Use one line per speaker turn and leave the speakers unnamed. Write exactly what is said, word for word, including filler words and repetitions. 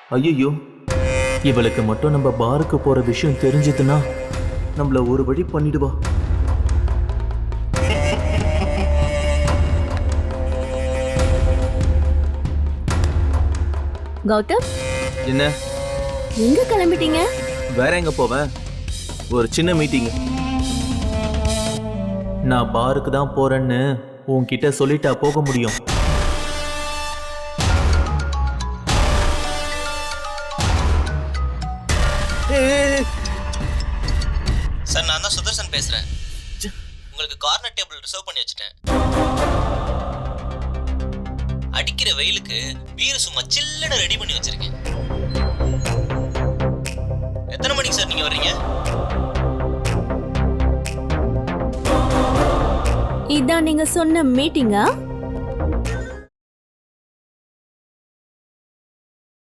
ஐயோ, இவளுக்கு மட்டும் நம்ம பாருக்கு போற விஷயம் தெரிஞ்சதுன்னா நம்மள ஒரு வழி பண்ணிடுவா.
கௌதம்,
என்ன?
எங்க கிளம்பிட்டீங்க?
வேற எங்க போவேன்? ஒரு சின்ன மீட்டிங். நான் பாருக்கு தான் போறேன்னு உன்கிட்ட சொல்லிட்டா போக முடியும்?
சார், நான் தான் சுதர்சன் பேசுறேன். உங்களுக்கு கார்னர் டேபிள் ரிசர்வ் பண்ணி வச்சுட்டேன். அடிக்கிற வெயிலுக்கு பீர் சும்மா சில்லுன்னு ரெடி பண்ணி வச்சிருக்கேன். எத்தனை மணிக்கு சார் நீங்க வர்றீங்க?
இதான் நீங்க சொன்ன மீட்டிங்கா?